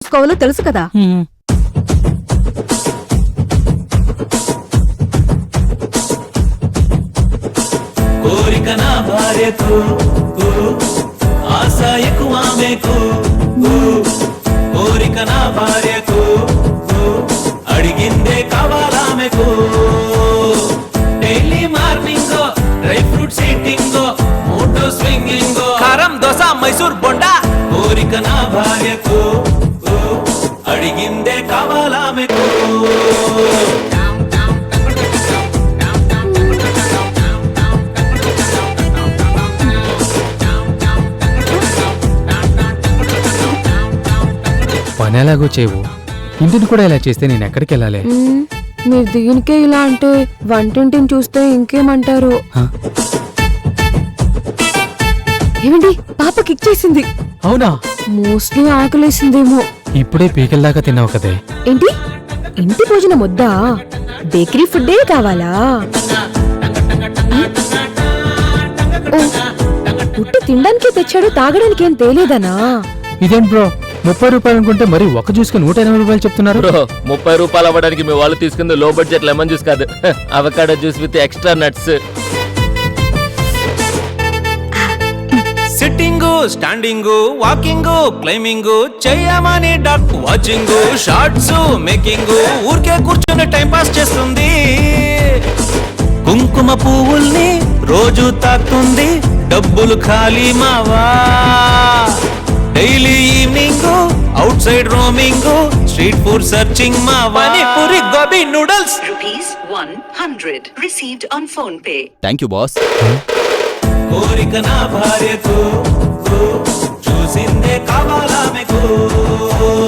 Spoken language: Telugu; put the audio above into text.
చేసుకోవాలో తెలుసు కదా. కోరిక నా భార్యకు ఆశ ఎక్కువ ఆమెకు, కోరిక నా భార్యకు అడిగిందే కావాలామెకు. Daily morning dry fruits eating, మోటో స్వింగింగ్, కారం దోశ మైసూర్ బొండా. కోరిక నా భార్యకు అడిగిందే కావాలామెకు. పని ఎలాగో చేయవు, ఇంటిని కూడా ఇలా చేస్తే నేను ఎక్కడికి వెళ్ళాలి? మీరు దీనికే ఇలా అంటే వంటింటిని చూస్తే ఇంకేమంటారు? ఏమండి, పాప కిక్ చేసింది. అవునా? మోస్ట్లీ ఆకలేసిందేమో. ఇప్పుడే పీకల దాకా తిన్నావు కదే. ఏంటి, ఇంటి భోజనం వద్దా? బేకరీ ఫుడ్డే కావాలా? పుట్టి తినడానికి తెచ్చాడు, తాగడానికి ఏం తేలేదనా? ఇదేం బ్రో, 30 రూపాయలు అనుకుంటే మరి ఒక జ్యూస్ కి 180 రూపాయలు చెప్తున్నారు. బ్రో 30 రూపాయలు అవ్వడానికి మీ వాళ్ళు తీసుకుంది లో బడ్జెట్ లెమన్ జ్యూస్ కాదు, avocado juice with extra nuts. Sitting, standing, walking, climbing చేయమని డాక్ వాచింగ్, షార్ట్స్ మేకింగ్, ఊరికే కూర్చొని టైం పాస్ చేస్తుంది. కుంకుమ పువ్వుల్ని రోజు తాకుతుంది, డబ్బులు ఖాళీ మావా. Daily evening outside roaming, street food searching మా panipuri, gobi noodles. ₹100 received on phone pay. Thank you boss. కోరిక నా భార్యకు చూసిందే కావాలామెకు.